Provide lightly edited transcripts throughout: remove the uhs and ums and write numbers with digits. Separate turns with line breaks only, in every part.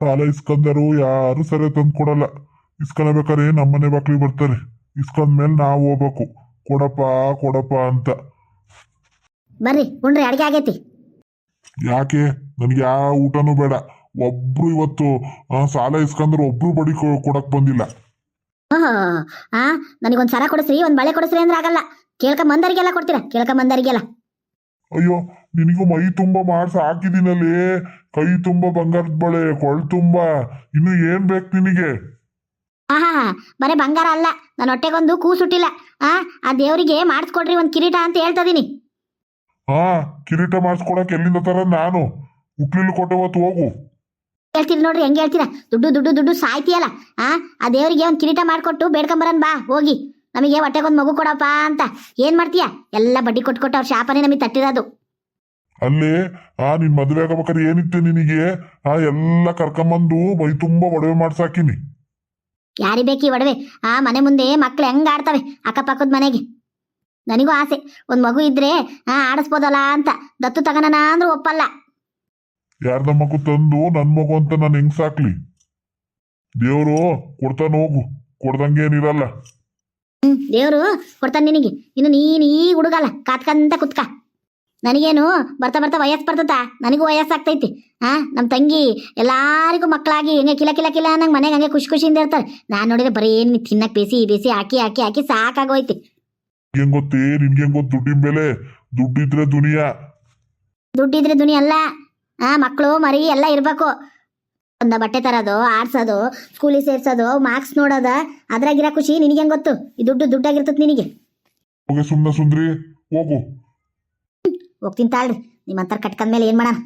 ಸಾಲ ಇಸ್ಕೊಂಡರು ಯಾರು ಸರಿ ತಂದು ಕೊಡಲ್ಲ. ಇಸ್ಕೊಳ್ಬೇಕಾರೆ ನಮ್ಮನೆ ಬಾಕ್ಲಿಗೆ ಬರ್ತಾರೆ. ಇಸ್ಕೊಂಡ್ಮೇಲೆ ನಾವು ಹೋಗ್ಬೇಕು, ಕೊಡಪ್ಪ ಕೊಡಪ್ಪ ಅಂತ.
ಬರ್ರಿ ಉಣ್ರಿ, ಅಡಿಗೆ ಆಗೈತಿ.
ಯಾಕೆ? ನನಗೆ ಯಾವ ಊಟನೂ ಬೇಡ. ಒಬ್ರು ಇವತ್ತು ಸಾಲ ಇಸ್ಕೊಂಡ್ರು ಒಬ್ರು ಬಡಿ ಕೊಡಕ್ ಬಂದಿಲ್ಲ.
ಹಾ, ನನಗೊಂದು ಸರ ಕೊಡಿಸ್ರಿ, ಒಂದು ಬಳೆ ಕೊಡಿಸ್ರಿ ಅಂದ್ರೆ ಆಗಲ್ಲ. ಕೇಳ್ಕೊಂಬಂದರಿಗೆಲ್ಲ ಕೊಡ್ತೀರಾ? ಕೇಳ್ಕೊಂಬಂದರಿಗೆಲ್ಲ.
ಅಯ್ಯೋ, ನಿನಗೂ ಮೈ ತುಂಬ ಮಾಡ್ಸ ಹಾಕಿದ್ದೀನಲ್ಲಿ. ಕೈ ತುಂಬ ಬಂಗಾರದ ಬಳೆ, ಕೊಳ್ ತುಂಬ. ಇನ್ನು ಏನ್ ಬೇಕು ನಿನಗೆ?
ಹಾ, ಬರೇ ಬಂಗಾರ ಅಲ್ಲ, ನನ್ನ ಹೊಟ್ಟೆಗೊಂದು ಕೂಸುಟ್ಟಿಲ್ಲ. ಆ ದೇವರಿಗೆ ಮಾಡಿಸ್ಕೊಡ್ರಿ ಒಂದು ಕಿರೀಟ ಅಂತ ಹೇಳ್ತಾ ಇದೀನಿ.
ಹಾ, ಕಿರೀಟ ಮಾಡಿಸ್ಕೊಡಕ್ ಎಲ್ಲಿಂದ ತರ? ನಾನು ಹುಟ್ಲಿಲ್ ಕೊಟ್ಟೆ ಹೊತ್ತು ಹೋಗು.
ಹೇಳ್ತೀರಿ ನೋಡ್ರಿ, ಹೆಂಗೆ ಹೇಳ್ತೀರಾ? ದುಡ್ಡು ದುಡ್ಡು ದುಡ್ಡು ಸಾಯ್ತಿಯಲ್ಲ. ಆ ದೇವರಿಗೆ ಒಂದು ಕಿರೀಟ ಮಾಡಿಕೊಟ್ಟು ಬೇಡ್ಕೊಂಬರನ್ ಬಾ ಹೋಗಿ. ನಮಗೆ ಹೊಟ್ಟೆಗೊಂದು ಮಗು ಕೊಡಪ್ಪ ಅಂತ ಏನ್ ಮಾಡ್ತೀಯಾ? ಎಲ್ಲ ಬಡ್ಡಿ ಕೊಟ್ಕೊಟ್ಟು ಅವ್ರ ಶಾಪನೇ ನಮಗೆ ತಟ್ಟಿರೋದು.
ಅಲ್ಲಿ ನಿನ್ ಮದುವೆ ಆಗಬೇಕಾದ್ರೆ ಏನಿತ್ತು ನಿನಗೆ? ಎಲ್ಲ ಕರ್ಕೊಂಬಂದು ಮೈ ತುಂಬಾ ಒಡವೆ ಮಾಡ್ಸಾಕಿನಿ.
ಯಾರಿ ಬೇಕಿ ಒಡವೆ? ಮನೆ ಮುಂದೆ ಮಕ್ಳು ಹೆಂಗ್ ಆಡ್ತವೆ ಅಕ್ಕಪಕ್ಕದ ಮನೆಗೆ. ನನಗೂ ಆಸೆ, ಒಂದ್ ಮಗು ಇದ್ರೆ ಆಡಿಸ್ಬೋದಲ್ಲ ಅಂತ. ದತ್ತು ತಗನನ ಅಂದ್ರೂ ಒಪ್ಪಲ್ಲ.
ಯಾರ್ದ ಮಗು ತಂದು ನನ್ ಮಗು ಅಂತ ನಾನು ಹೆಂಗ್ ಸಾಕ್ಲಿ? ದೇವ್ರು ಕೊಡ್ತಾನ ಹೋಗು, ಕೊಡ್ದಂಗೇನಿರಲ್ಲ.
ದೇವ್ರು ಕೊಡ್ತಾನೆ ನಿನಗೆ. ಇನ್ನು ನೀನ್ ಈ ಹುಡುಗಲ್ಲ, ಕಾತ್ಕಂತ ಕುತ್ಕ. ನನಗೇನು ಬರ್ತಾ ಬರ್ತಾ ವಯಸ್ಸು ಬರ್ತದ, ನನಗೂ ವಯಸ್ಸಾಗ್ತೈತಿ. ನಮ್ಮ ತಂಗಿ ಎಲ್ಲಾರಿಗೂ ಮಕ್ಕಳಾಗಿ ಹೆಂಗೆ ಕಿಲ ಕಿಲ ಕಿಲ ನಂಗೆ ಮನೆಗೆ ಹಂಗೆ ಖುಷಿ ಖುಷಿಯಿಂದ ಇರ್ತಾರೆ. ನಾನು ನೋಡಿದ್ರೆ ಬರೀ ತಿನ್ನಕ್ ಬೇಸಿ ಬೇಸಿ ಹಾಕಿ ಹಾಕಿ ಹಾಕಿ ಸಾಕಾಗೋಯ್ತಿ.
ಹೆಂಗ್ ಗೊತ್ತೇ ನಿನ್ಗೆ? ಹೆಂಗ್ ಗೊತ್ತು ದುಡ್ಡಿನ ಬೆಲೆ? ದುಡ್ಡಿದ್ರೆ ದುನಿಯಾ.
ದುಡ್ಡಿದ್ರೆ ದುನಿಯಾ ಅಲ್ಲ, ಮಕ್ಕಳು ಮರಿ ಎಲ್ಲ ಇರ್ಬೇಕು. ಒಂದ ಬಟ್ಟೆ ತರೋದು, ಆಡ್ಸೋದು, ಸ್ಕೂಲಿಗೆ ಸೇರ್ಸೋದು, ಮಾರ್ಕ್ಸ್ ನೋಡೋದ, ಅದ್ರಾಗಿರೋ ಖುಷಿ ನಿನಗೆ ಹೆಂಗ್ ಗೊತ್ತು? ಈ ದುಡ್ಡಾಗಿರ್ತದ ನಿನಗೆ.
ಹೋಗಿ ಸುಮ್ಮನೆ ಸುಂದ್ರಿ, ಹೋಗು.
ಹೋಗ್ತೀನಿ ತಾಳ್ರಿ, ನಿಮ್ಮಂತರ ಕಟ್ಕೊಂಡ್ಮೇಲೆ ಏನ್ ಮಾಡೋಣ?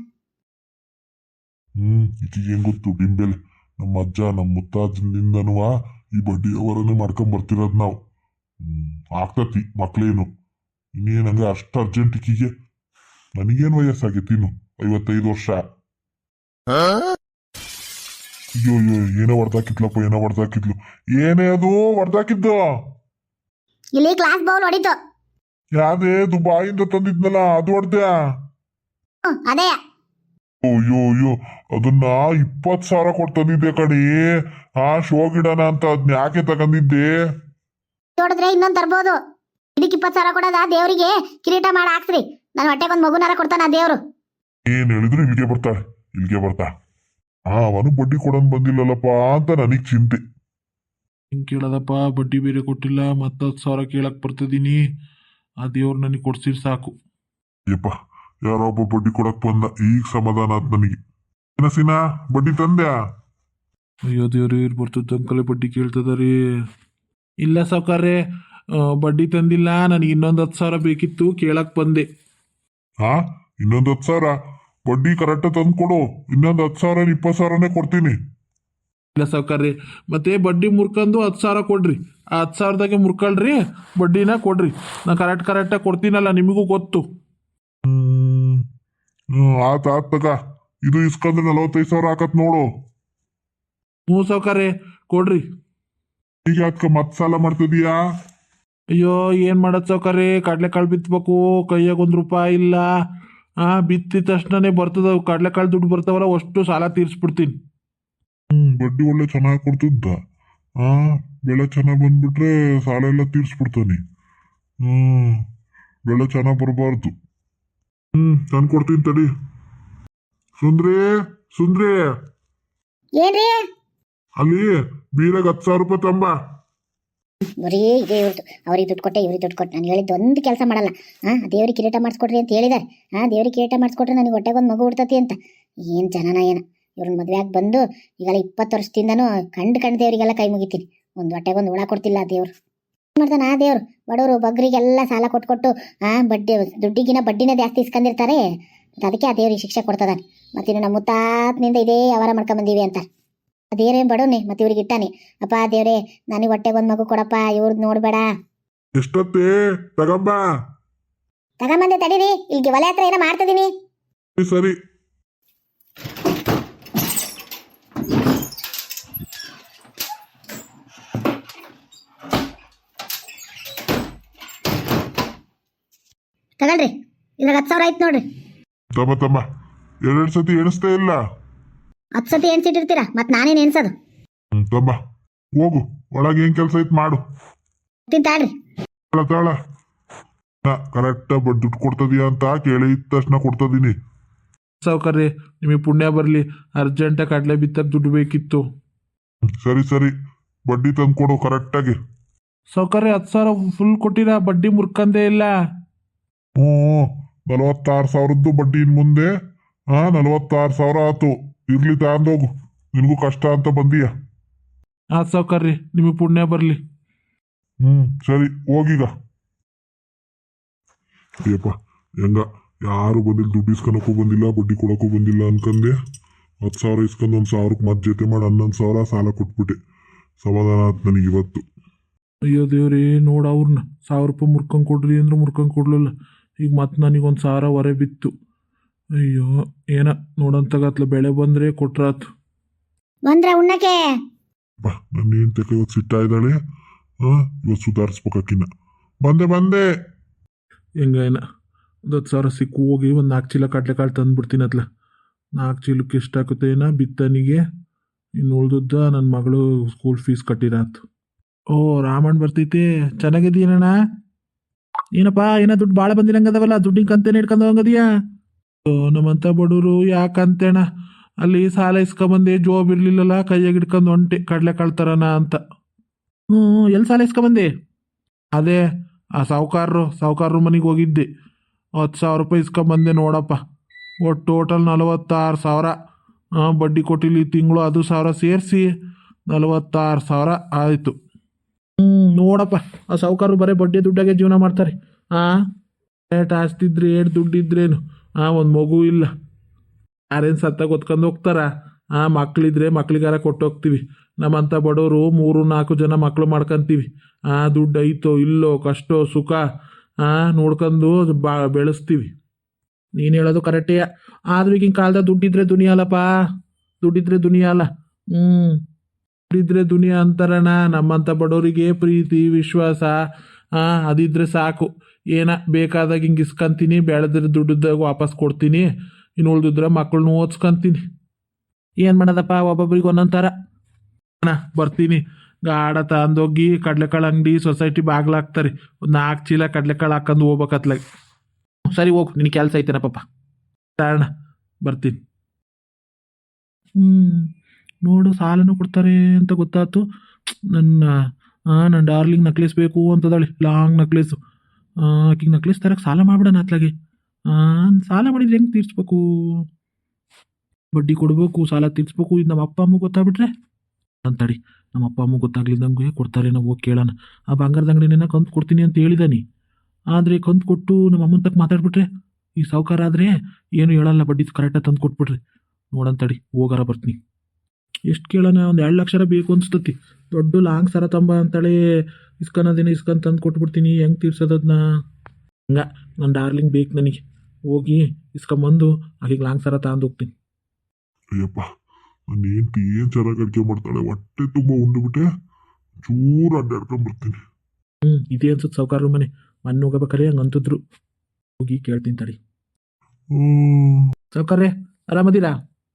ಈಕಿಗೆ ಹೆಂಗ್ ಗೊತ್ತು ದುಡ್ಡಿನ ಬೆಲೆ? ನಮ್ಮ ಅಜ್ಜ ನಮ್ಮ ಮುತ್ತಾಜಿನಿಂದನೂ ಈ ಬಡ್ಡಿ ಅವರನ್ನೇ ಮಾಡ್ಕೊಂಡ್ ಬರ್ತಿರೋದು ನಾವು. ಆಗ್ತತಿ ಮಕ್ಳೇನು. ಇನ್ನೇನ್ ಹಂಗೆ ಅಷ್ಟು ಅರ್ಜೆಂಟ್ ಈಕಿಗೆ? ನನಗೇನು ವಯಸ್ಸಾಗೈತಿ? ಇನ್ನು 55 ವರ್ಷ. ಅಯ್ಯೋ ಅಯ್ಯೋ, ಏನೋ ಹೊಡ್ದಾಕಿದ್ಲಪ್ಪ, ಏನೋ ಹೊಡ್ದಾಕಿದ್ಲು. ಏನೇ ಅದು ಹೊಡ್ದಾಕಿದ್ದು?
ಇಲ್ಲಿ ಕ್ಲಾಸ್ ಬೌಲ್ ಹೊಡಿತು.
ಯಾವ್ದೇ ದುಬಾಯಿಂದ ತಂದಿದ್ನಲ್ಲ ಅದು ಹೊಡ್ದ್ಯಾ?
ಅದೇ.
ಅಯ್ಯೋ ಅಯ್ಯೋ, ಅದನ್ನ 20,000 ಕೊಟ್ಟು ತಂದಿದ್ದೆ ಕಣಿ. ಶೋ ಗಿಡನ ಅಂತ ಅದ್ನ ಯಾಕೆ ತಗೊಂಡಿದ್ದೆ?
ನೋಡಿದ್ರೆ ಇನ್ನೊಂದು ತರ್ಬೋದು. ಇದಕ್ಕೆ 20,000 ಕೊಡೋದ? ದೇವರಿಗೆ ಕಿರೀಟ ಮಾಡಿ ಹಾಕ್ಸ್ರಿ, ನನ್ನ ಹೊಟ್ಟೆಗೊಂದು ಮಗುನಾರ ಕೊಡ್ತಾನ ದೇವ್ರು.
ಏನ್ ಹೇಳಿದ್ರು ಇಲ್ಲಿಗೆ ಬರ್ತಾಳೆ, ಇಲ್ಲಿಗೆ ಬರ್ತಾ. ಅವನು ಬಡ್ಡಿ ಕೊಡೋನ್ ಬಂದಿಲ್ಲಲ್ಲಪ್ಪ ಅಂತ ನನಗ್ ಚಿಂತೆ.
ಹಿಂಗೆ ಕೇಳೋದಪ್ಪ, ಬಡ್ಡಿ ಬೇರೆ ಕೊಟ್ಟಿಲ್ಲ, ಮತ್ತೆ 10,000 ಕೇಳಕ್ ಬರ್ತದೀನಿ. ಆ ದೇವ್ರು ನನಗೆ ಕೊಡ್ಸಿರ್ ಸಾಕು.
ಯಪ್ಪ, ಯಾರೋ ಒಬ್ಬ ಬಡ್ಡಿ ಕೊಡಕ್ ಬಂದ, ಈಗ ಸಮಾಧಾನ ಆತ್ ನನಗೆ. ಏನಸಿನಾ ಬಡ್ಡಿ ತಂದ್ಯಾ?
ಅಯ್ಯೋ ದೇವ್ರಿ, ಬರ್ತದ ಅಂಕಲೆ ಬಡ್ಡಿ ಕೇಳ್ತದಾರಿ. ಇಲ್ಲ ಸಾವ್ಕಾರ್ರೆ, ಬಡ್ಡಿ ತಂದಿಲ್ಲ. ನನಗೆ ಇನ್ನೊಂದು 10,000 ಬೇಕಿತ್ತು, ಕೇಳಕ್ ಬಂದೆ.
ಇನ್ನೊಂದು 10,000? ಬಡ್ಡಿ ಕರೆಕ್ಟ್ ತಂದು ಕೊಡು. ಇನ್ನೊಂದು 10,000 20,000ನೇ ಕೊಡ್ತೀನಿ.
ಇಲ್ಲ ಸಾವ್ಕಾರ್ರಿ, ಮತ್ತೆ ಬಡ್ಡಿ ಮುರ್ಕೊಂಡು 10,000 ಕೊಡ್ರಿ. ಆ 10,000ದಾಗೆ ಮುರ್ಕೊಳ್ರಿ, ಬಡ್ಡಿನ ಕೊಡ್ರಿ. ನಾ ಕರೆಕ್ಟಾಗಿ ಕೊಡ್ತೀನಲ್ಲ, ನಿಮಗೂ ಗೊತ್ತು.
ಆತ ತಗ. ಇದು ಇಸ್ಕೊಂಡ್ರೆ 45,000 ಹಾಕತ್ ನೋಡು.
ಸಾವ್ಕಾರ್ರೆ ಕೊಡ್ರಿ.
ಈಗ ಅದಕ್ಕೆ ಮತ್ತೆ ಸಾಲ ಮಾಡ್ತಿದೀಯಾ?
ಅಯ್ಯೋ ಏನ್ ಮಾಡೋದು ಸಾವ್ಕಾರ್ರೆ, ಕಡ್ಲೆಕಾಳು ಬಿತ್ತಬೇಕು, ಕೈಯಾಗ ₹1 ಇಲ್ಲ. ಬಿತ್ತಿದ ತಕ್ಷಣನೇ ಬರ್ತದ, ಕಡ್ಲೆಕಾಳು ದುಡ್ಡು ಬರ್ತಾವಲ್ಲ, ಅಷ್ಟು ಸಾಲ ತೀರ್ಸ್ಬಿಡ್ತೀನಿ.
ಬಡ್ಡಿ ಒಳ್ಳೆ ಚೆನ್ನಾಗಿ ಕೊಡ್ತಿದ್ದ. ಬೆಳೆ ಚೆನ್ನಾಗಿ ಬಂದ್ಬಿಟ್ರೆ ಸಾಲ ಎಲ್ಲ ತೀರ್ಸ್ಬಿಡ್ತಾನೆ. ಬೆಳೆ ಚೆನ್ನಾಗಿ ಬರಬಾರ್ದು. ನಾನು ಕೊಡ್ತೀನಿ ತಡಿ. ಸುಂದ್ರಿ ಸುಂದ್ರಿ,
ಏನ್ರಿ?
ಅಲ್ಲಿ ಬೀರಾಗ 10,000 ರೂಪಾಯಿ ತಂಬ.
ಬರೀ ಇದೇ ಇವ್ರದ್ದು, ಅವ್ರಿಗೆ ದುಡ್ಡು ಕೊಟ್ಟೆ ಇವ್ರಿಗೆ ದುಡ್ಡು ಕೊಟ್ಟೆ. ನಾನು ಹೇಳಿದ್ದು ಒಂದು ಕೆಲಸ ಮಾಡಲ್ಲ. ದೇವ್ರಿಗೆ ಕಿರೀಟ ಮಾಡಿಸ್ಕೊಡ್ರಿ ಅಂತ ಹೇಳಿದ್ದಾರೆ. ದೇವ್ರಿಗೆ ಕಿರೀಟ ಮಾಡಿಸ್ಕೊಟ್ರೆ ನನಗೆ ಹೊಟ್ಟೆಗೊಂದು ಮಗು ಹುಡ್ತತಿ ಅಂತ. ಏನು ಜನನ ಏನ ಇವ್ರನ್ನ ಮದುವೆ ಆಗಿ ಬಂದು ಈಗಲ್ಲ 20 ವರ್ಷದಿಂದನೂ ಕಂಡು ದೇವರಿಗೆಲ್ಲ ಕೈ ಮುಗಿತೀನಿ. ಒಂದು ಹೊಟ್ಟೆಗೊಂದು ಹುಳ ಕೊಡ್ತಿಲ್ಲ ದೇವ್ರು. ಏನು ಮಾಡ್ತಾನೆ ದೇವ್ರು? ಬಡವರು ಬಗ್ಗರಿಗೆಲ್ಲ ಸಾಲ ಕೊಟ್ಟು ಬಡ್ಡಿ ದುಡ್ಡಿಗಿನ ಬಡ್ಡಿನೇ ಜಾಸ್ತಿ ಇಸ್ಕೊಂಡಿರ್ತಾರೆ. ಅದಕ್ಕೆ ಆ ದೇವ್ರಿಗೆ ಶಿಕ್ಷೆ ಕೊಡ್ತದಾನೆ. ಮತ್ತಿನ್ನು ನಮ್ಮ ಮುತ್ತಾತ್ನಿಂದ ಇದೇ ವ್ಯವಹಾರ ಮಾಡ್ಕೊಂಬಂದೀವಿ ಅಂತ. ದೇವ್ರೇ ಬಡವನೇ, ಮತ್ತೆ ಇವ್ರಿಗೆ ಇಟ್ಟಾನೆ. ಅಪ್ಪ ದೇವ್ರೇ, ನನಗೆ ಹೊಟ್ಟೆಗೊಂದು ಮಗು ಕೊಡಪ್ಪ, ಇವ್ರದ್ದು ನೋಡ್ಬೇಡ.
ಎಷ್ಟೊತ್ತೇ
ತಗೊಂಬಂದೆ ತಡೀರಿ, ಇಲ್ಲಿಗೆ ಒಲೆ ಹತ್ರ ಏನೋ ಮಾಡ್ತಿದ್ದೀನಿ.
ಸರಿ.
ತಗೊಳ್ರಿ, ಇದ್ರಾಗ 10,000 ಆಯ್ತು ನೋಡ್ರಿ.
ತಮ್ಮ 2 ಸತಿ ಎಣಿಸ್ತೇ ಇಲ್ಲ.
ಹತ್ತು ಸತಿ ಎಣ್ಸಿಟ್ಟಿರ್ತೀರಾ ಮತ್ತೆ ನಾನೇನು ಎಣ್ಸೋದು?
ತಮ್ಮ ಹೋಗು, ಒಳಗೆ ಏನ್ ಕೆಲಸ ಐತ್ ಮಾಡು.
ತಿಂತಾಳ್ರಿ.
ತಾಳ ಕರೆಕ್ಟ್ ದುಡ್ಡು ಕೊಡ್ತದೀಯ ಅಂತ ಕೇಳಿ ಇದ್ದ ತಕ್ಷಣ ಕೊಡ್ತದೀನಿ.
ಸಾವುಕಾರ್ರೆ ನಿಮಗೆ ಪುಣ್ಯ ಬರಲಿ, ಅರ್ಜೆಂಟಾಗಿ ಕಡಲೆ ಬಿತ್ತಕ್ಕೆ ದುಡ್ಡು ಬೇಕಿತ್ತು.
ಸರಿ ಸರಿ, ಬಡ್ಡಿ ತಂದು ಕೊಡು ಕರೆಕ್ಟಾಗಿ.
ಸಾವುಕಾರ್ರೆ 10,000 ಫುಲ್ ಕೊಟ್ಟಿರಾ, ಬಡ್ಡಿ ಮುರ್ಕಂದೇ ಇಲ್ಲ.
ಹ್ಞೂ 46,000ದ್ದು ಬಡ್ಡಿ ಇನ್ ಮುಂದೆ 46,000 ಆತು. ಇರ್ಲಿ ತಗೊಂಡೋಗು, ನಿನಗೂ ಕಷ್ಟ ಅಂತ ಬಂದೀಯ.
ಸಾವುಕಾರ್ರೆ ನಿಮಗೆ ಪುಣ್ಯ ಬರಲಿ.
ಸರಿ ಹೋಗೀಗ. ಅಯ್ಯಪ್ಪ ಹೆಂಗ ಯಾರು ಬಂದಿಲ್ಲ, ದುಡ್ಡು ಇಸ್ಕೊಳಕ್ಕೂ ಬಂದಿಲ್ಲ, ಬಡ್ಡಿ ಕೊಡೋಕ್ಕೂ ಬಂದಿಲ್ಲ ಅನ್ಕಂದೆ 10,000 ಇಸ್ಕೊಂಡು 1,000ಕ್ಕೆ ಮತ್ತೆ ಜೊತೆ ಮಾಡಿ 11,000 ಸಾಲ ಕೊಟ್ಬಿಟ್ಟೆ. ಸಮಾಧಾನ ಆಯ್ತು ನನಗೆ ಇವತ್ತು.
ಅಯ್ಯೋ ದೇವ್ರೇ, ನೋಡ ಅವ್ರನ್ನ 1,000 ರೂಪಾಯಿ ಮುರ್ಕೊಂಡು ಕೊಡ್ರಿ ಅಂದ್ರೆ ಮುರ್ಕೊಂಡು ಕೊಡ್ಲಿಲ್ಲ. ಈಗ ಮತ್ತೆ ನನಗೆ 1,000 ಹೊರೆ ಬಿತ್ತು. ಅಯ್ಯೋ ಏನ ನೋಡಂತಾಗತ್ಲ, ಬೆಳೆ ಬಂದರೆ ಕೊಟ್ರಾತು.
ಬಂದ್ರ ಉಣ್ಣಕ್ಕೆ?
ನನ್ನ ಹೆಂಡ್ತಿ ಇವತ್ತು ಸಿಟ್ಟ ಇದ್ದಾಳೆ. ಇವತ್ತು ಸುಧಾರಿಸ್ಬೇಕಾಕಿನ್ನ. ಬಂದೆ
ಹೆಂಗೇನ 10,000 ಸಿಕ್ಕು ಹೋಗಿ ಒಂದು 4 ಚೀಲ ಕಡಲೆಕಾಳು ತಂದುಬಿಡ್ತೀನಿ ಅತ್ಲ. 4 ಚೀಲಕ್ಕೆ ಎಷ್ಟಾಗುತ್ತೆ ಏನ ಬಿತ್ತನಿಗೆ. ಇನ್ನು ಉಳ್ದದ್ದ ನನ್ನ ಮಗಳು ಸ್ಕೂಲ್ ಫೀಸ್ ಕಟ್ಟಿರಾತು. ಓ ರಾಮಣ್ಣ ಬರ್ತೈತೆ, ಚೆನ್ನಾಗಿದ್ದೀನಣ್ಣ. ಏನಪ್ಪ ಏನೋ ದುಡ್ಡು ಭಾಳ ಬಂದಿರಂಗದವಲ್ಲ, ದುಡ್ಡಿನ ಕಂತೇನೆ ಹಿಡ್ಕೊಂಡು ಹೋಗದಿಯಾ? ನಮ್ಮಂತ ಬಡವರು ಯಾಕಂತೇಣ, ಅಲ್ಲಿ ಸಾಲ ಇಸ್ಕೊಂಬಂದೆ, ಜೋಬ್ ಇರ್ಲಿಲ್ಲಲ್ಲ, ಕೈಯಾಗ ಹಿಡ್ಕೊಂಡು ಹೊಂಟೆ ಕಡಲೆಕಾಳು ತರನ ಅಂತ. ಎಲ್ಲಿ ಸಾಲ ಇಸ್ಕೊಂಬಂದೆ? ಅದೇ ಆ ಸಾವುಕಾರರು ಮನೆಗೆ ಹೋಗಿದ್ದೆ, 10,000 ರೂಪಾಯಿ ಇಸ್ಕೊಂಬಂದೆ ನೋಡಪ್ಪ. ಒಟ್ಟು ಟೋಟಲ್ 46,000. ಬಡ್ಡಿ ಕೊಟ್ಟಿಲ್ಲ ಈ ತಿಂಗಳು, ಅದು 1,000 ಸೇರಿಸಿ 46,000 ಆಯಿತು. ನೋಡಪ್ಪ, ಆ ಸಾವುಕಾರರು ಬರೀ ಬಡ್ಡಿ ದುಡ್ಡಾಗೆ ಜೀವನ ಮಾಡ್ತಾರೆ. ರೇಟ್ ಆಸ್ತಿದ್ರೆ ಏಟ್ ದುಡ್ಡಿದ್ರೇನು, ಒಂದು ಮಗು ಇಲ್ಲ, ಯಾರೇನು ಸತ್ತಾಗ ಹೊತ್ಕೊಂಡು ಹೋಗ್ತಾರ. ಮಕ್ಳಿದ್ರೆ ಮಕ್ಳಿಗಾರ ಕೊಟ್ಟೋಗ್ತೀವಿ. ನಮ್ಮಂಥ ಬಡವರು 3-4 ಜನ ಮಕ್ಕಳು ಮಾಡ್ಕೊಂತೀವಿ. ದುಡ್ಡು ಐತೋ ಇಲ್ಲೋ, ಕಷ್ಟೋ ಸುಖ ನೋಡ್ಕೊಂಡು ಬೆಳೆಸ್ತೀವಿ. ನೀನು ಹೇಳೋದು ಕರೆಕ್ಟೇ. ಆದ್ರೂ ಈಗಿನ ಕಾಲದಾಗ ದುಡ್ಡಿದ್ರೆ ದುನಿಯಾ ಅಲ್ಲಪ್ಪ, ದುಡ್ಡಿದ್ರೆ ದುನಿಯಾ ಅಲ್ಲ. ದುಡ್ಡಿದ್ರೆ ದುನಿಯಾ ಅಂತಾರಣ. ನಮ್ಮಂಥ ಬಡವರಿಗೆ ಪ್ರೀತಿ ವಿಶ್ವಾಸ ಅದಿದ್ರೆ ಸಾಕು. ಏನ ಬೇಕಾದಾಗ ಹಿಂಗೆ ಇಸ್ಕೊಂತೀನಿ, ಬೆಳೆದ್ರೆ ದುಡ್ಡದಾಗ ವಾಪಸ್ ಕೊಡ್ತೀನಿ, ಇನ್ನು ಉಳ್ದಿದ್ರೆ ಮಕ್ಕಳನ್ನ ಓದ್ಸ್ಕೊಂತೀನಿ. ಏನು ಮಾಡೋದಪ್ಪ, ಒಬ್ಬೊಬ್ರಿಗೆ ಒಂದೊಂದು ಥರ. ಬರ್ತೀನಿ, ಗಾಢ ತಂದೋಗಿ ಕಡಲೆಕಾಳು ಅಂಗಡಿ ಸೊಸೈಟಿ ಬಾಗ್ಲಾಕ್ತಾರೆ. ಒಂದು 4 ಚೀಲ ಕಡಲೆಕಾಳು ಹಾಕೊಂಡು ಹೋಗ್ಬೇಕತ್ಲಾಗ. ಸರಿ ಹೋಗು, ನಿನ್ನ ಕೆಲಸ ಐತೇನಪ್ಪ. ಕಾರಣ ಬರ್ತೀನಿ. ನೋಡು ಸಾಲನೂ ಕೊಡ್ತಾರೆ ಅಂತ ಗೊತ್ತಾಯ್ತು. ನನ್ನ ಡಾರ್ಲಿಂಗ್ ನಕ್ಲೇಸ್ ಬೇಕು ಅಂತದಾಳೆ, ಲಾಂಗ್ ನಕ್ಲೇಸು. ಆಕಿಗೆ ನಕ್ಲೇಸ್ ತರಕ್ಕೆ ಸಾಲ ಮಾಡ್ಬಿಡೋಣ ಅತ್ಲಾಗೆ. ಸಾಲ ಮಾಡಿದ್ರೆ ಹೆಂಗೆ ತೀರ್ಸ್ಬೇಕು? ಬಡ್ಡಿ ಕೊಡಬೇಕು, ಸಾಲ ತೀರ್ಸ್ಬೇಕು. ಇದು ನಮ್ಮ ಅಪ್ಪ ಅಮ್ಮ ಗೊತ್ತಾಗ್ಬಿಟ್ರೆ ಅಂತಡಿ, ನಮ್ಮ ಅಪ್ಪ ಅಮ್ಮ ಗೊತ್ತಾಗ್ಲಿದ್ದಂಗೆ ಕೊಡ್ತಾರೆ. ನಾವು ಹೋಗಿ ಕೇಳೋಣ. ಆ ಬಂಗಾರದ ಅಂಗಡಿನ ಕಂತು ಕೊಡ್ತೀನಿ ಅಂತ ಹೇಳಿದಾನೆ. ಆದರೆ ಕಂತು ಕೊಟ್ಟು ನಮ್ಮ ಅಮ್ಮನ ತಕ್ಕ ಮಾತಾಡ್ಬಿಟ್ರೆ, ಈ ಸಾವುಕಾರ ಆದರೆ ಏನು ಹೇಳಲ್ಲ, ಬಡ್ಡಿ ಕರೆಕ್ಟಾಗಿ ತಂದು ಕೊಟ್ಬಿಟ್ರಿ. ನೋಡಂತಡಿ, ಹೋಗಾರ ಬರ್ತೀನಿ. ಎಷ್ಟು ಕೇಳೋಣ, ಒಂದು 2 ಲಕ್ಷ ಬೇಕು ಅನ್ಸ್ತತಿ. ದೊಡ್ಡ ಲಾಂಗ್ ಸರ ತಂಬ ಅಂತಾಳೆ. ಇಸ್ಕೊಳೋದೇನೆ ಇಸ್ಕೊಂಡು ತಂದು ಕೊಟ್ಬಿಡ್ತೀನಿ. ಹೆಂಗೆ ತೀರ್ಸೋದನ್ನ? ನನ್ನ ಡಾರ್ಲಿಂಗ್ ಬೇಕು ನನಗೆ. ಹೋಗಿ ಇಸ್ಕೊಂಬಂದು ಅಲ್ಲಿಗೆ ಲಾಂಗ್ ಸರ ತಗೊಂಡು ಹೋಗ್ತೀನಿ.
ಅಯ್ಯಪ್ಪ, ನನ್ನ ಹೆಂಡ್ತಿ ಏನು ಚೆನ್ನಾಗಿ ಅಡುಗೆ ಮಾಡ್ತಾಳೆ. ಹೊಟ್ಟೆ ತುಂಬ ಉಂಡುಬಿಟ್ಟೆ ಚೂರು ಅಡ್ಡಾಡ್ಕೊಂಡ್ಬರ್ತೀನಿ.
ಇದೇ ಅನ್ಸುತ್ತೆ ಸಾವುಕಾರ ಮನೆ. ಮೊನ್ನೆ ಹೋಗಬೇಕಾರೆ ಹಂಗೆ ಅಂತಿದ್ರು. ಹೋಗಿ ಕೇಳ್ತೀನಿ ತಡಿ. ಸಾವುಕಾರ್ರೆ ಆರಾಮದಿರಾ?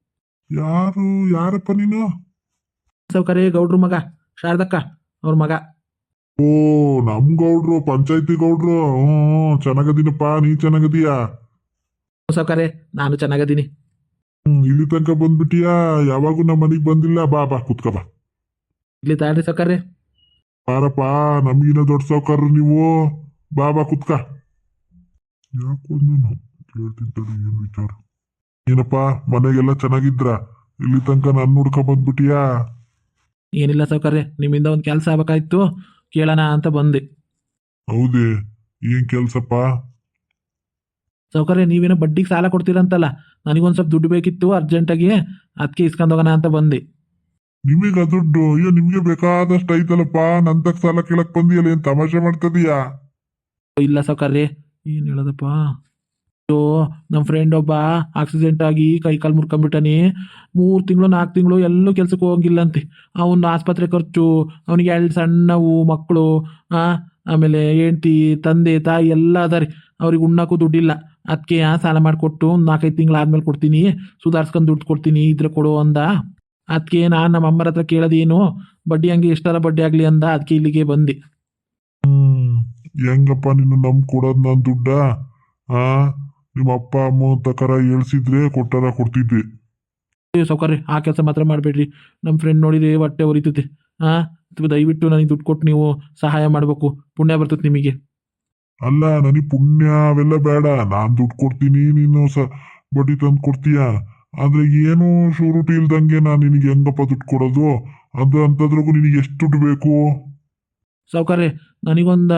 ಯಾರಪ್ಪ ನೀನು?
ಸಾವುಕಾರ್ರೆ ಗೌಡ್ರು ಮಗ, ಶಾರದಕ್ಕ ಅವ್ರ ಮಗ.
ಓ, ನಮ್ ಗೌಡ್ರು, ಪಂಚಾಯತಿ ಗೌಡ್ರು. ಚೆನ್ನಾಗದೀನಪ್ಪ, ನೀ ಚೆನ್ನಾಗದೀಯಾ?
ಸಾವುಕಾರ್ರೆ ನಾನು ಚೆನ್ನಾಗದೀನಿ.
ಇಲ್ಲಿ ತನಕ ಬಂದ್ಬಿಟ್ಟಿಯಾ? ಯಾವಾಗೂ ನಮ್ಮ ಮನೆಗೆ ಬಂದಿಲ್ಲ. ಬಾ ಕುತ್ಕ ಬಾ.
ಇಲ್ಲಿ ತಾಳ್ರಿ ಸಾವುಕಾರ್ರೆ.
ಬಾರಪ್ಪ, ನಮಗಿನ ದೊಡ್ಡ ಸಾವುಕಾರರು ನೀವು. ಬಾ ಕುತ್ಕ. ಯಾಕೋ ನಾನು ಕೇಳ್ತೀನಿ ತಡಿ, ಏನು ವಿಚಾರ? ಏನಪ್ಪ ಮನೆಗೆಲ್ಲ ಚೆನ್ನಾಗಿದ್ರ? ಇಲ್ಲಿ ತನಕ ನನ್ನ ಹುಡ್ಕ ಬಂದ್ಬಿಟ್ಟಿಯಾ?
ಏನಿಲ್ಲ ಸಾವುಕಾರ್ರೆ, ನಿಮ್ಮಿಂದ ಒಂದು ಕೆಲಸ ಆಗ್ಬೇಕಾಯ್ತು, ಕೇಳೋಣ ಅಂತ ಬಂದೆ.
ಹೌದೇ, ಏನ್ ಕೆಲ್ಸಪ್ಪ?
ಸಾವುಕಾರ್ರೆ ನೀವೇನೋ ಬಡ್ಡಿಗೆ ಸಾಲ ಕೊಡ್ತೀರಂತಲ್ಲ, ನನಗೊಂದು ಸ್ವಲ್ಪ ದುಡ್ಡು ಬೇಕಿತ್ತು ಅರ್ಜೆಂಟಾಗಿ, ಅದಕ್ಕೆ ಇಸ್ಕೊಂಡು ಹೋಗೋಣ ಅಂತ ಬಂದೆ.
ನಿಮಗ ದುಡ್ಡು? ಅಯ್ಯೋ, ನಿಮ್ಗೆ ಬೇಕಾದಷ್ಟು ಐತಲ್ಲಪ್ಪ. ನಂತಕ್ ಸಾಲ ಕೇಳಕ್ ಬಂದಿಯಲ್ಲ, ಏನ್ ತಮಾಷೆ ಮಾಡ್ತದೀಯಾ?
ಇಲ್ಲ ಸಾವುಕಾರ್ರೆ, ಏನು ಹೇಳೋದಪ್ಪ. ನಮ್ಮ ಫ್ರೆಂಡ್ ಒಬ್ಬ ಆಕ್ಸಿಡೆಂಟ್ ಆಗಿ ಕೈ ಕಾಲು ಮುರ್ಕೊಂಡ್ಬಿಟ್ಟಾನೆ. 3 ತಿಂಗಳು 4 ತಿಂಗಳು ಎಲ್ಲೂ ಕೆಲ್ಸಕ್ಕೆ ಹೋಗಿಲ್ಲಂತೆ. ಅವನ ಆಸ್ಪತ್ರೆ ಖರ್ಚು, ಅವನಿಗೆ 2 ಸಣ್ಣವು ಮಕ್ಕಳು, ಆಮೇಲೆ ಹೆಂಡ್ತಿ ತಂದೆ ತಾಯಿ ಎಲ್ಲ ಅದಾರೆ. ಅವ್ರಿಗೆ ಉಣ್ಣಕ್ಕೂ ದುಡ್ಡಿಲ್ಲ. ಅದಕ್ಕೆ ಸಾಲ ಮಾಡಿಕೊಟ್ಟು ಒಂದು 4-5 ತಿಂಗಳಾದ್ಮೇಲೆ ಕೊಡ್ತೀನಿ, ಸುಧಾರಿಸ್ಕೊಂಡು ದುಡ್ಡು ಕೊಡ್ತೀನಿ ಇದ್ರೆ ಕೊಡು ಅಂದ. ಅದಕ್ಕೆ ನಾನು ನಮ್ಮ ಅಮ್ಮರ ಹತ್ರ ಕೇಳೋದೇನು, ಬಡ್ಡಿ ಹಂಗೆ ಎಷ್ಟರ ಬಡ್ಡಿ ಆಗಲಿ ಅಂದ. ಅದಕ್ಕೆ ಇಲ್ಲಿಗೆ ಬಂದೆ.
ಹೆಂಗಪ್ಪ ನಿನ್ನ ಕೊಡೋದು ನಾನು ದುಡ್ಡ? ಆ ನಿಮ್ಮ ಅಪ್ಪ ಅಮ್ಮ ತಕರ ಹೇಳ್ಸಿದ್ರೆ ಕೊಡ್ತಿದ್ದೆ.
ಸೌಕರ್ಯ ಆ ಕೆಲಸ ಮಾತ್ರ ಮಾಡಬೇಡ್ರಿ. ನಮ್ಮ ಫ್ರೆಂಡ್ ನೋಡಿದ್ರೆ ಹೊಟ್ಟೆ ಉರಿತೈತೆ. ದಯವಿಟ್ಟು ನನಗೆ ದುಡ್ಡು ಕೊಟ್ಟು ನೀವು ಸಹಾಯ ಮಾಡಬೇಕು, ಪುಣ್ಯ ಬರ್ತೈತೆ ನಿಮಗೆ.
ಅಲ್ಲ, ನನಗೆ ಪುಣ್ಯ ಅವೆಲ್ಲ ಬೇಡ. ನಾನು ದುಡ್ಡು ಕೊಡ್ತೀನಿ, ನೀನು ಬಡ್ಡಿ ತಂದು ಕೊಡ್ತೀಯ. ಆದ್ರೆ ಏನು ಶೂರಿಟಿ ಇಲ್ದಂಗೆ ನಾನು ನಿನಗೆ ಹೆಂಗಪ್ಪ ದುಡ್ಡು ಕೊಡೋದು? ಅದು ಅಂತದ್ರಿಗೂ ನಿನಗೆ ಎಷ್ಟು ದುಡ್ಡು ಬೇಕು?
ಸೌಕರ್ಯ ನನಗೊಂದು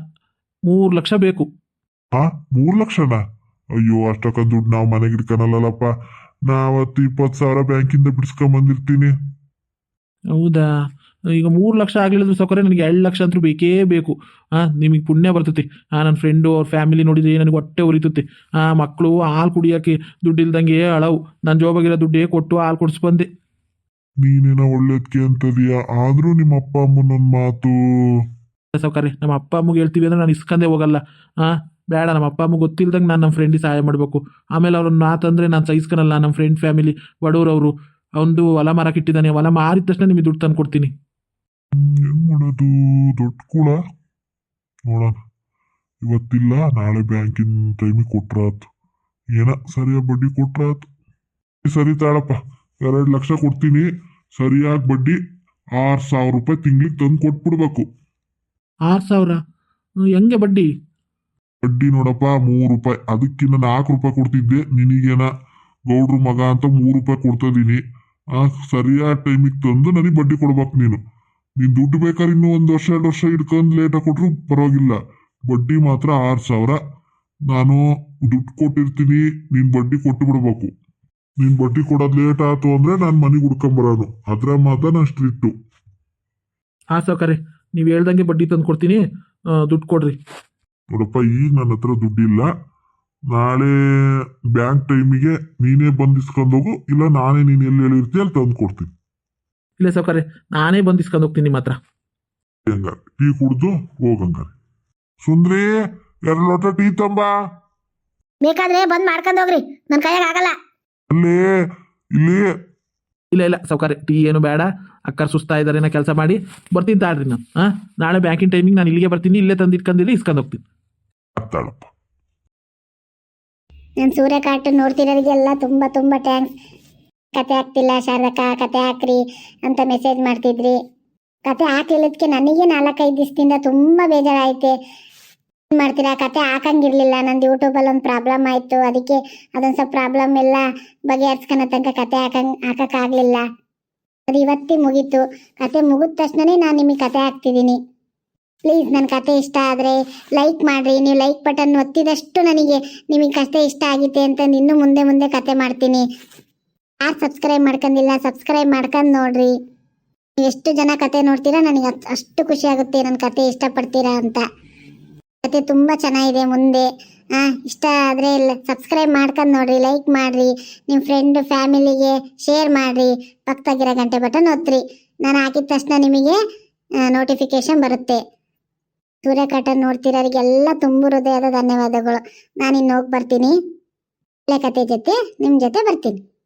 3 ಲಕ್ಷ ಬೇಕು.
3 ಲಕ್ಷನಾ? ಅಯ್ಯೋ, ಅಷ್ಟಕ್ಕ ದುಡ್ಡು ನಾವು ಮನೆಗೆ ಇಟ್ಕೊಳಲ್ಲಪ್ಪ. ನಾವತ್ತು 20,000 ಬ್ಯಾಂಕಿಂದ ಬಿಡಿಸ್ಕೊಂಬಂದಿರ್ತೀನಿ.
ಹೌದಾ? ಈಗ 3 ಲಕ್ಷ ಆಗಲಿಲ್ಲ ಸೌಕರ್ಯ, ನನಗೆ 2 ಲಕ್ಷ ಅಂತೂ ಬೇಕೇ ಬೇಕು. ನಿಮಗೆ ಪುಣ್ಯ ಬರ್ತೈತಿ. ನನ್ನ ಫ್ರೆಂಡು ಅವ್ರ ಫ್ಯಾಮಿಲಿ ನೋಡಿದ್ರೆ ನನಗೆ ಹೊಟ್ಟೆ ಉರಿತೈತಿ. ಮಕ್ಕಳು ಹಾಲು ಕುಡಿಯೋಕ್ಕೆ ದುಡ್ಡು ಇಲ್ದಂಗೆ ಅಳವು. ನಾನು ಜೋಬಾಗಿರೋ ದುಡ್ಡೇ ಕೊಟ್ಟು ಹಾಲು ಕೊಡಿಸ್ಬಂದೆ.
ನೀನೇನೋ ಒಳ್ಳೇದಕ್ಕೆ ಅಂತದೀಯ, ಆದ್ರೂ ನಿಮ್ಮ ಅಪ್ಪ ಅಮ್ಮನೊಂದು ಮಾತು.
ಸೌಕರ್ಯ ನಮ್ಮ ಅಪ್ಪ ಅಮ್ಮಗೆ ಹೇಳ್ತೀವಿ ಅಂದ್ರೆ ನಾನು ಇಸ್ಕೊಂಡೇ ಹೋಗಲ್ಲ. ಬೇಡ, ನಮ್ಮ ಅಪ್ಪ ಅಮ್ಮಗೆ ಗೊತ್ತಿಲ್ದಂಗೆ ನಾನು ನಮ್ಮ ಫ್ರೆಂಡಿಗೆ ಸಹಾಯ ಮಾಡಬೇಕು. ಆಮೇಲೆ ಅವ್ರನ್ನ ಮಾತಂದ್ರೆ ನಾನು ಸಹಿಸ್ಕೊಳಲ್ಲ. ನಮ್ಮ ಫ್ರೆಂಡ್ ಫ್ಯಾಮಿಲಿ ಬಡವ್ರವರು. ಅವನು ಹೊಲ ಮಾರಕ್ಕೆ ಇಟ್ಟಿದ್ದಾನೆ, ಹೊಲ ಮಾರಿದ ತಕ್ಷಣ ನಿಮಗೆ ದುಡ್ಡು ತಂದು ಕೊಡ್ತೀನಿ.
ಹೆಂಗ್ ಮಾಡೋದು? ದೊಡ್ಡ ಕೂಡ ನೋಡೋಣ. ಇವತ್ತಿಲ್ಲ, ನಾಳೆ ಬ್ಯಾಂಕಿನ ಟೈಮಿಗೆ ಕೊಟ್ರಾತು. ಏನ ಸರಿಯಾಗಿ ಬಡ್ಡಿ ಕೊಟ್ರಾತು. ಸರಿ ತಾಳಪ್ಪ, 2 ಲಕ್ಷ ಕೊಡ್ತೀನಿ. ಸರಿಯಾಗಿ ಬಡ್ಡಿ 6,000 ರೂಪಾಯಿ ತಿಂಗ್ಳಿಗೆ ತಂದು ಕೊಟ್ಬಿಡ್ಬೇಕು.
6,000? ಹೆಂಗೆ ಬಡ್ಡಿ?
ಬಡ್ಡಿ ನೋಡಪ್ಪ, 3 ರೂಪಾಯಿ. ಅದಕ್ಕಿಂತ 4 ರೂಪಾಯಿ ಕೊಡ್ತಿದ್ದೆ. ನಿನಗೇನ ಗೌಡ್ರ ಮಗ ಅಂತ 3 ರೂಪಾಯಿ ಕೊಡ್ತಿದ್ದೀನಿ. ಸರಿಯಾದ ಟೈಮಿಗೆ ತಂದು ನನಗೆ ಬಡ್ಡಿ ಕೊಡ್ಬೇಕು. ನೀನು ದುಡ್ಡು ಬೇಕಾದ್ರೆ ಇನ್ನೂ 1 ವರ್ಷ 2 ವರ್ಷ ಇಟ್ಕೊಂಡು ಲೇಟಾಗಿ ಕೊಟ್ರು ಪರವಾಗಿಲ್ಲ. ಬಡ್ಡಿ ಮಾತ್ರ 6,000 ನಾನು ದುಡ್ಡು ಕೊಟ್ಟಿರ್ತೀನಿ. ನೀನು ಬಡ್ಡಿ ಕೊಟ್ಟು ಬಿಡ್ಬೇಕು. ನೀನು ಬಡ್ಡಿ ಕೊಡೋದು ಲೇಟ್ ಆಯ್ತು ಅಂದ್ರೆ ನಾನು ಮನೆಗೆ ಹುಡ್ಕೊಂಬರೋನು. ಅದ್ರ ಮಾತ್ರ ನಾನು ಸ್ಟ್ರಿಕ್ಟು.
ಸೌಕರ್ಯ ನೀವು ಹೇಳ್ದಂಗೆ ಬಡ್ಡಿ ತಂದು ಕೊಡ್ತೀನಿ. ದುಡ್ಡು ಕೊಡ್ರಿ.
ನೋಡಪ್ಪ, ಈಗ ನನ್ನ ಹತ್ರ ದುಡ್ಡಿಲ್ಲ. ನಾಳೆ ಬ್ಯಾಂಕ್ ಟೈಮಿಗೆ ನೀನೇ ಬಂದು ಇಸ್ಕೊಂಡೋಗು, ಇಲ್ಲ ನಾನೇ ನೀನು ಎಲ್ಲಿ ಹೇಳಿರ್ತೀಯ ಅಲ್ಲಿ ತಂದು ಕೊಡ್ತೀನಿ.
ಇಲ್ಲ ಸೌಕರ್ಯ, ನಾನೇ ಬಂದು ಇಸ್ಕೊಂಡು ಹೋಗ್ತೀನಿ ನಿಮ್ಮ ಹತ್ರ.
ಹಂಗಾರೆ ಟೀ ಕುಡ್ದು ಹೋಗಂಗಾರೆ. ಸುಂದ್ರಿ, 2 ಲೋಟ ಟೀ ತಂಬ.
ಬೇಕಾದ್ರೆ ಬಂದ್ ಮಾಡ್ಕೊಂಡು ಹೋಗ್ರಿ, ನನ್ನ ಕೈಯಾಗ ಆಗಲ್ಲ.
ಅಲ್ಲಿ ಇಲ್ಲಿ
ಇಲ್ಲ ಸೌಕರ್ಯ, ಟೀ ಏನು ಬೇಡ. ಅಕ್ಕರ್ ಸುಸ್ತಾ ಇದ್ದಾರೆ, ನಾ ಕೆಲಸ ಮಾಡಿ ಬರ್ತೀನಿ ತಾಳ್ರಿ. ನಾನು ನಾಳೆ ಬ್ಯಾಂಕಿನ ಟೈಮಿಗೆ ನಾನು ಇಲ್ಲಿಗೆ ಬರ್ತೀನಿ. ಇಲ್ಲೇ ತಂದು ಇಟ್ಕೊಂಡಿರಿ, ಇಸ್ಕೊಂಡು ಹೋಗ್ತೀನಿ.
ಆಗ್ತಾಳಪ್ಪ.
ನಾನು ಸೂರ್ಯ ಕಾರ್ಟೂನ್ ನೋಡ್ತಿರೋರಿಗೆಲ್ಲ ತುಂಬ ತುಂಬ ಥ್ಯಾಂಕ್ಸ್. ಕತೆ ಹಾಕ್ತಿಲ್ಲ ಶಾರದಕ್ಕ, ಕತೆ ಹಾಕ್ರಿ ಅಂತ ಮೆಸೇಜ್ ಮಾಡ್ತಿದ್ರಿ. ಕತೆ ಹಾಕ್ಲಿಲ್ಲದಕ್ಕೆ ನನಗೆ 4-5 ದಿವಸದಿಂದ ತುಂಬ ಬೇಜಾರಾಯ್ತೆ. ಏನು ಮಾಡ್ತೀರಾ, ಕತೆ ಹಾಕಂಗಿರ್ಲಿಲ್ಲ. ನಂದು ಯೂಟ್ಯೂಬಲ್ಲಿ ಒಂದು ಪ್ರಾಬ್ಲಮ್ ಆಯಿತು. ಅದಕ್ಕೆ ಅದೊಂದು ಸ್ವಲ್ಪ ಪ್ರಾಬ್ಲಮ್ ಎಲ್ಲ ಬಗೆಹರಿಸ್ಕೊಳೋ ತನಕ ಕತೆ ಹಾಕೋಕ್ಕಾಗಲಿಲ್ಲ. ಅದು ಇವತ್ತಿಗೆ ಮುಗೀತು. ಕತೆ ಮುಗಿದ ತಕ್ಷಣನೇ ನಾನು ನಿಮಗೆ ಕತೆ ಹಾಕ್ತಿದ್ದೀನಿ. ಪ್ಲೀಸ್ ನನ್ನ ಕತೆ ಇಷ್ಟ ಆದರೆ ಲೈಕ್ ಮಾಡಿರಿ. ನೀವು ಲೈಕ್ ಬಟನ್ ಒತ್ತಿದಷ್ಟು ನನಗೆ ನಿಮಗೆ ಕತೆ ಇಷ್ಟ ಆಗಿದೆ ಅಂತ ಇನ್ನೂ ಮುಂದೆ ಮುಂದೆ ಕತೆ ಮಾಡ್ತೀನಿ. ಯಾರು ಸಬ್ಸ್ಕ್ರೈಬ್ ಮಾಡ್ಕೊಂಡಿಲ್ಲ, ಸಬ್ಸ್ಕ್ರೈಬ್ ಮಾಡ್ಕೊಂಡು ನೋಡ್ರಿ. ನೀವು ಎಷ್ಟು ಜನ ಕತೆ ನೋಡ್ತೀರಾ ನನಗೆ ಅಷ್ಟು ಖುಷಿ ಆಗುತ್ತೆ, ನನ್ನ ಕತೆ ಇಷ್ಟಪಡ್ತೀರಾ ಅಂತ. ಕತೆ ತುಂಬ ಚೆನ್ನಾಗಿದೆ. ಮುಂದೆ ಇಷ್ಟ ಆದರೆ ಸಬ್ಸ್ಕ್ರೈಬ್ ಮಾಡ್ಕೊಂಡು ನೋಡ್ರಿ, ಲೈಕ್ ಮಾಡಿರಿ, ನಿಮ್ಮ ಫ್ರೆಂಡ್ ಫ್ಯಾಮಿಲಿಗೆ ಶೇರ್ ಮಾಡಿರಿ. ಪಕ್ಕದಾಗಿರೋ ಗಂಟೆ ಬಟನ್ ಒತ್ತಿರಿ. ನಾನು ಹಾಕಿದ ತಕ್ಷಣ ನಿಮಗೆ ನೋಟಿಫಿಕೇಶನ್ ಬರುತ್ತೆ. ಸೂರ್ಯ ಕಾರ್ಟೂನ್ ನೋಡ್ತಿರೋರಿಗೆಲ್ಲ ತುಂಬ ಹೃದಯದ ಧನ್ಯವಾದಗಳು. ನಾನು ಇನ್ನು ಹೋಗಿ ಬರ್ತೀನಿ. ಒಳ್ಳೆ ಕತೆ ಜೊತೆ ನಿಮ್ಮ ಜೊತೆ ಬರ್ತೀನಿ.